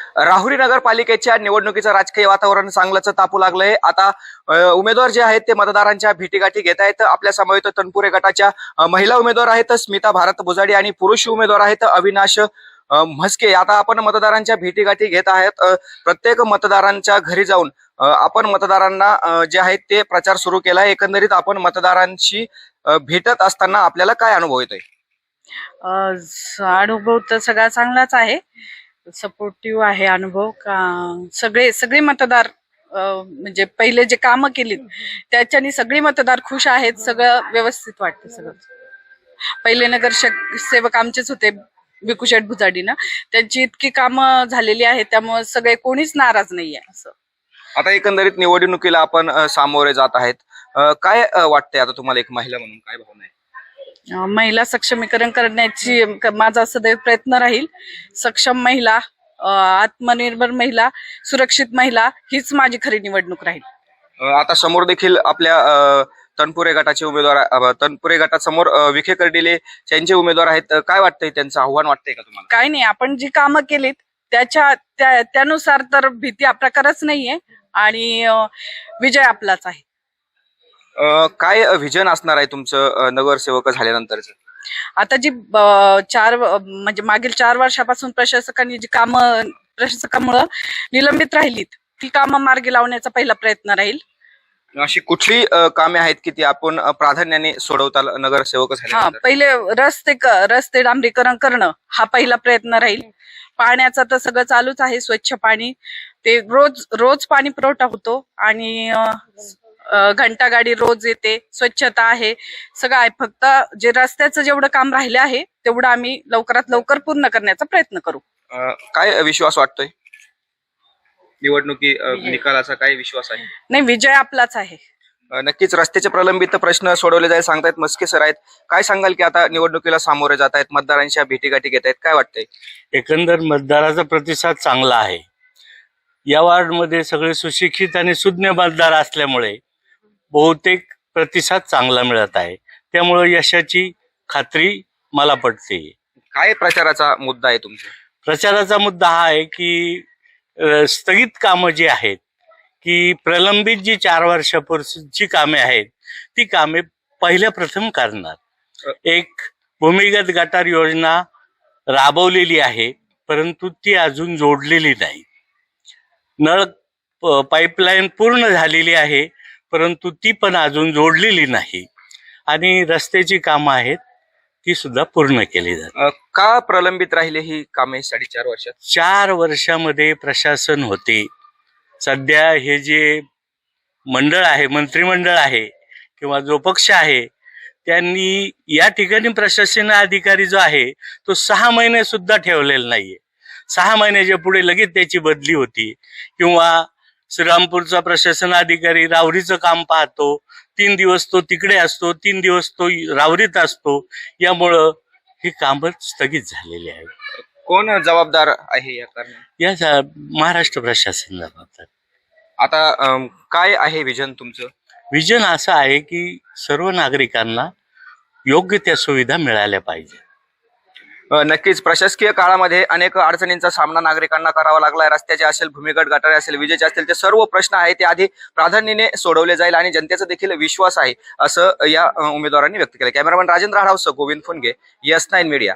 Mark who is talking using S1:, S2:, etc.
S1: राहुरी नगरपालिकेच्या निवडणुकीचं राजकीय वातावरण चांगलंच तापू लागलंय। आता उमेदवार जे आहेत ते मतदारांच्या भेटीगाठी घेत आहेत। आपल्या समवेत तनपुरे गटाच्या महिला उमेदवार आहेत स्मिता भारत बुजाडी आणि पुरुष उमेदवार आहेत अविनाश म्हस्के। आता आपण मतदारांच्या भेटीगाठी घेत आहेत। प्रत्येक मतदारांच्या घरी जाऊन आपण मतदारांना जे आहेत ते प्रचार सुरू केला आहे। एकंदरीत आपण मतदारांशी भेटत असताना आपल्याला काय अनुभव येतोय?
S2: अनुभव तर सगळा चांगलाच आहे, सपोर्टिव्ह आहे अनुभव का सगळे मतदार म्हणजे पहिले जे कामं केलीत त्याच्यानी सगळे मतदार खुश आहेत। सगळं व्यवस्थित वाटतं। सगळं पहिले नगरसेवक आमचेच होते भिकूशेठ बुजाडीनं, त्यांची इतकी कामं झालेली आहेत त्यामुळे सगळे कोणीच नाराज नाहीये असं।
S1: आता एकंदरीत निवडणुकीला आपण सामोरे जात आहेत, काय वाटतंय आता तुम्हाला एक महिला म्हणून काय भावना आहे?
S2: महिला सक्षमीकरण करण्याची माझा सदैव प्रयत्न राहील। सक्षम महिला, आत्मनिर्भर महिला, सुरक्षित महिला हीच माझी खरी निवडणूक राहील।
S1: आता समोर देखील आपल्या तनपुरे गटाचे उमेदवार, तनपुरे गटासमोर विखे कर्डिले त्यांचे उमेदवार आहेत। काय वाटतंय, त्यांचं आव्हान वाटतंय का तुम्हाला?
S2: काय नाही, आपण जी कामं केलीत त्यानुसार तर भीती प्रकारच नाहीये आणि विजय आपलाच आहे।
S1: काय व्हिजन असणार आहे तुमचं नगरसेवक झाल्यानंतरचं?
S2: आता जी म्हणजे मागील 4 वर्षापासून प्रशासकांनी जी कामं प्रशासकामुळे निलंबित राहिलीत ती कामं मार्गी लावण्याचा पहिला प्रयत्न राहील।
S1: अशी कुठली कामे आहेत की ती आपण प्राधान्याने सोडवता नगरसेवक झाल्यानंतर?
S2: पहिले रस्ते डांबरीकरण करणं हा पहिला प्रयत्न राहील। पाण्याचा तर सगळं चालूच आहे, स्वच्छ पाणी ते रोज पाणी पुरवठा होतो आणि घंटागाडी रोज येते, स्वच्छता आहे, सगळं आहे। फक्त जे रस्त्याचं जेवढं काम राहिलं आहे तेवढं आम्ही लवकरात लवकर पूर्ण करण्याचा प्रयत्न करू।
S1: काय विश्वास वाटतोय निवडणुकी निकालाचा? काय विश्वास आहे?
S2: नाही, विजय आपलाच आहे।
S1: नक्कीच रस्त्याचे प्रलंबित प्रश्न सोडवले जाईल सांगतायत म्हस्के सर आहेत। काय सांगाल की आता निवडणुकीला सामोरे जात आहेत, मतदारांच्या भेटीगाठी घेत आहेत, काय वाटतंय?
S3: एकंदर मतदाराचा प्रतिसाद चांगला आहे। या वॉर्डमध्ये सगळे सुशिक्षित आणि सुज्ञ मतदार असल्यामुळे बहुतेक प्रतिसाद चांगला मिळत आहे, त्यामुळे यशाची खात्री मला पटते।
S1: काय प्रचाराचा मुद्दा आहे तुमचा?
S3: प्रचाराचा मुद्दा हा आहे की स्थगित कामं जी आहेत की प्रलंबित जी 4 वर्षापूर्वीची कामे आहेत ती कामे पहिल्या प्रथम करणार। एक भूमिगत गटार योजना राबवलेली आहे परंतु ती अजून जोडलेली नाही। नळ पाईपलाईन पूर्ण झालेली आहे परंतु ती पण अजून जोडलेली नाही आणि रस्त्याची कामं आहेत ती सुद्धा पूर्ण केली जातात।
S1: का प्रलंबित राहिले ही कामे 4.5 वर्षात?
S3: 4 वर्षामध्ये प्रशासन होते, सध्या हे जे मंडळ आहे, मंत्रिमंडळ आहे किंवा जो पक्ष आहे त्यांनी या ठिकाणी प्रशासन अधिकारी जो आहे तो 6 महिने सुद्धा ठेवलेला नाहीये। 6 महिन्याच्या पुढे लगेच त्याची बदली होती किंवा श्रीरामपूरचा प्रशासन अधिकारी राहुरीचं काम पाहतो, 3 दिवस तो तिकडे असतो, 3 दिवस तो राहुरीत असतो, यामुळं ही कामं स्थगित झालेली आहे।
S1: कोण जबाबदार आहे या कारणात?
S3: या महाराष्ट्र प्रशासन जबाबदार।
S1: आता काय आहे विजन तुमचं?
S3: विजन असं आहे की सर्व नागरिकांना योग्य त्या सुविधा मिळाल्या पाहिजे।
S1: नक्कीच प्रशासकीय काळामध्ये अनेक अडचणींचा सामना नागरिकांना करावा लागलाय। रस्त्याचे असेल, भूमिगत गटारे असेल, विजेचे असतील, ते सर्व प्रश्न आहेत ते आधी प्राधान्याने सोडवले जाईल आणि जनतेचा देखील विश्वास आहे असं या उमेदवारांनी व्यक्त केलं। कॅमेरामॅन राजेंद्र आढावसह गोविंद फुनगे, YES9 मीडिया।